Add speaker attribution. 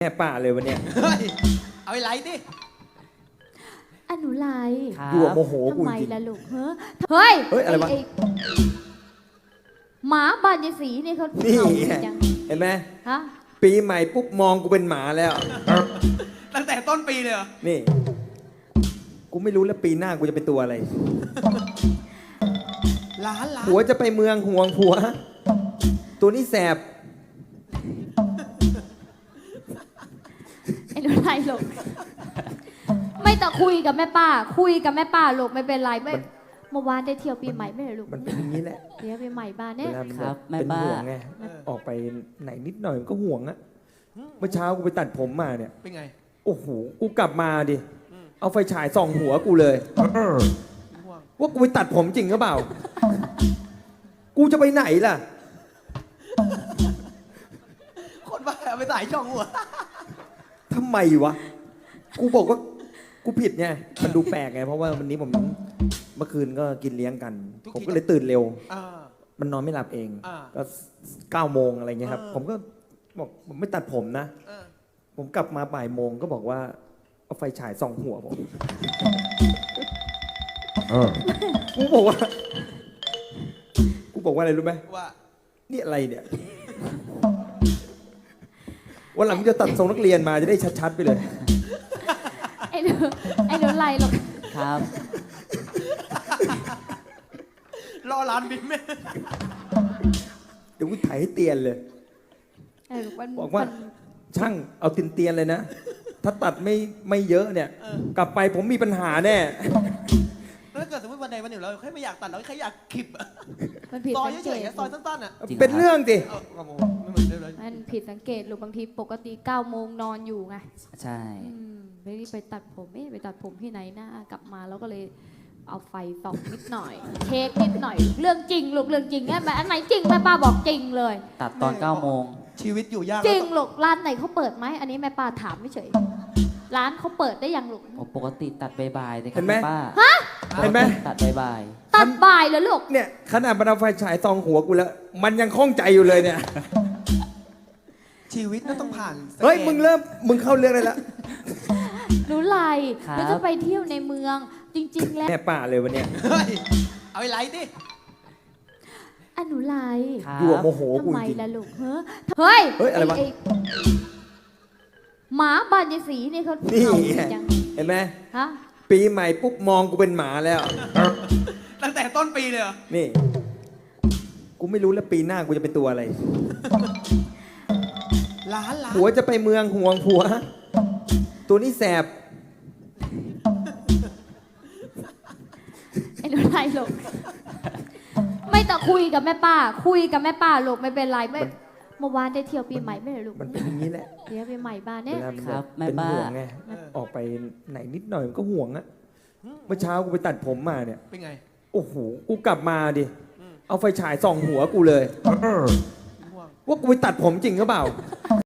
Speaker 1: แม่ป่าเลยวันเนี้ย
Speaker 2: เฮ้ยเอาไอ้ไรดิ
Speaker 3: อนุไล
Speaker 1: อยู่โมโหกู
Speaker 3: ทำไม
Speaker 1: จริง
Speaker 3: ล่ะลูกเฮ้ย
Speaker 1: เฮ้ยอะไรวะ
Speaker 3: หมาบานยายศรีนี่เขา
Speaker 1: นี่
Speaker 3: เห่า
Speaker 1: ไง
Speaker 3: จัง
Speaker 1: เห็นไหม
Speaker 3: ฮะ
Speaker 1: ปีใหม่ปุ๊บมองกูเป็นหมาแล้ว
Speaker 2: ตั้งแต่ต้นปีเลยเหรอ
Speaker 1: นี่ กูไม่รู้แล้วปีหน้ากูจะเป็นตัวอะไร
Speaker 2: ล้าน
Speaker 1: ผัวจะไปเมืองห่วงผัว ตัวนี้แสบ
Speaker 3: ไอ้หนูไลลูกไม่ต้องคุยกับแม่ป้า คุยกับแม่ป้าลูกไม่เป็นไรไม่เมื่อวานได้เที่ยวปีใหม่ไม่เหรอลูก
Speaker 1: มันเป็นอย่างนี้แหละ
Speaker 3: เที่ยวปีใหม่บ้าน
Speaker 1: เว
Speaker 3: เนี่ย
Speaker 1: ลามัน
Speaker 4: ครับแม่
Speaker 1: เป็น
Speaker 4: บ้า
Speaker 1: ห่วงไง ออกไปไหนนิดหน่อยมันก็ห่วงอะเมื่อเช้ากูไปตัดผมมาเนี่ย
Speaker 2: เป็นไง
Speaker 1: โอ้โห กูกลับมาดิ เอาไฟฉายส่องหัวกูเลย
Speaker 2: ห่วง
Speaker 1: ว่ากูไปตัดผมจริงหรือเปล่า กูจะไปไหนล่ะ
Speaker 2: คนบ้าเอาไปใส่ช่องหัว
Speaker 1: ทำไมวะ กูบอกว่ากูผิดไง มันดูแปลกไง เพราะว่าวันนี้ผมเมื่อคืนก็กินเลี้ยงกัน ผมก็เลยตื่นเร็ว
Speaker 2: อ่า
Speaker 1: มันนอนไม่หลับเอง
Speaker 2: อ่า
Speaker 1: ก็9 โมงอะไรเงี้ยครับ ผมก็บอกผมไม่ตัดผมนะ
Speaker 2: เออ
Speaker 1: ผมกลับมาบ่ายโมงก็บอกว่าเอาไฟฉายส่องหัวผมกูบอกว่า กูบอกว่าอะไรรู้ไหม
Speaker 2: ว่า
Speaker 1: นี่อะไรเนี่ยวันหลังจะตัดทรงนักเรียนมาจะได้ชัดๆไปเลย
Speaker 3: ไอ้หนูไลลูก
Speaker 4: ครับ
Speaker 2: รอร้านบินไหม
Speaker 1: เดี๋ยวกูถ่ายให้เตียนเลย
Speaker 3: ไอ้ลูกมัน
Speaker 1: บอกว่าช่างเอาเตียนๆเลยนะ ถ้าตัดไม่เยอะเนี่ย กลับไปผมมีปัญหาแน่
Speaker 2: แล้วถ้าเกิดสมมติวันใดวันหนึ่งเราแค่ไม่อยากตัดเราแค่อยากคลิปอะ
Speaker 3: มันผิด
Speaker 2: ซอย
Speaker 3: สัง
Speaker 2: เฉ
Speaker 3: เก
Speaker 2: ย
Speaker 3: ต
Speaker 2: ๆซอยสั้นๆอะ
Speaker 4: จริง
Speaker 1: เป็นเรื่องสิ
Speaker 2: เออครับผมไม่เหมือนเดิมเลย
Speaker 3: มันผิดสังเกตลูกบางทีปกติ9 โมงนอนอยู่ไง
Speaker 4: ใช่
Speaker 3: ไม่ได้ไปตัดผมไปตัดผมที่ไหนนะกลับมาแล้วก็เลยเอาไฟส่องนิดหน่อย เช็คนิดหน่อย เรื่องจริงลูกเรื่องจริงเนี่ยอันไหนจริงแม่ป้าบอกจริงเลย
Speaker 4: ตัดตอน9 โมง
Speaker 2: ชีวิตอยู่ยาก
Speaker 3: จริงลูกร้านไหนเขาเปิดไหมอันนี้แม่ป้าถามไม่เฉยร้านเขาเปิดได้ยังลูก
Speaker 4: ปกติตัดบ่ายๆเลยค
Speaker 1: เห็
Speaker 4: รับ
Speaker 1: นไหม
Speaker 4: ป้า
Speaker 1: เห็นไหม
Speaker 4: ตัดบ่าย
Speaker 3: ตัดบ่ายเลยลูก
Speaker 1: เนี่ยขนาดมันเอาไฟฉายส่องหัวกูแล้ว มันยังข้องใจอยู่เลยเนี่ย
Speaker 2: ชีวิตก็ต้องผ่าน
Speaker 1: เฮ้ยมึงเข้าเรื่องได้แล้ว
Speaker 3: หนูไลหนูจะไปเที่ยวในเมือง จริง ๆ แล้ว
Speaker 1: แม่ป่าเลยวันเนี้ย
Speaker 2: เฮ้ยเอาไอ้ไรดิ
Speaker 3: อนุไล
Speaker 4: ๆครับ
Speaker 1: อยู่โมโหกู
Speaker 3: ทำไม
Speaker 1: จริง
Speaker 3: ล่ะลูกเฮ้ย
Speaker 1: เฮ้ยอะไรวะ
Speaker 3: หมาบานยายศรีนี่เขา
Speaker 1: นี่
Speaker 3: เห่า
Speaker 1: ไง
Speaker 3: จัง
Speaker 1: เห็นไหม
Speaker 3: ฮะ
Speaker 1: ปีใหม่ปุ๊บมองกูเป็นหมาแล้ว
Speaker 2: ตั้งแต่ต้นปีเลยเหรอ
Speaker 1: นี่ กูไม่รู้แล้วปีหน้ากูจะเป็นตัวอะไร
Speaker 2: ล้าน
Speaker 1: ผัวจะไปเมืองห่วงผัว ตัวนี้แสบ
Speaker 3: ไอ้หนูไลลูกไม่ต้องคุยกับแม่ป้า คุยกับแม่ป้าลูกไม่เป็นไรไม่เมื่อวานได้เที่ยวปีใหม่ไม่เหรอลูก
Speaker 1: มันเป็นอย่างนี้แหละ
Speaker 3: เที่ยวปีใหม่บ้าน
Speaker 1: เว
Speaker 3: เนี่ย
Speaker 1: ลามัน
Speaker 4: ครับแม่
Speaker 1: เป็น
Speaker 4: บ้า
Speaker 1: ห่วงไง ออกไปไหนนิดหน่อยมันก็ห่วงอะเมื่อเช้ากูไปตัดผมมาเนี่ย
Speaker 2: เป็นไง
Speaker 1: โอ้โห กูกลับมาดิ เอาไฟฉายส่องหัวกูเลย
Speaker 2: ห่วง
Speaker 1: ว่ากูไปตัดผมจริงหรือเปล่า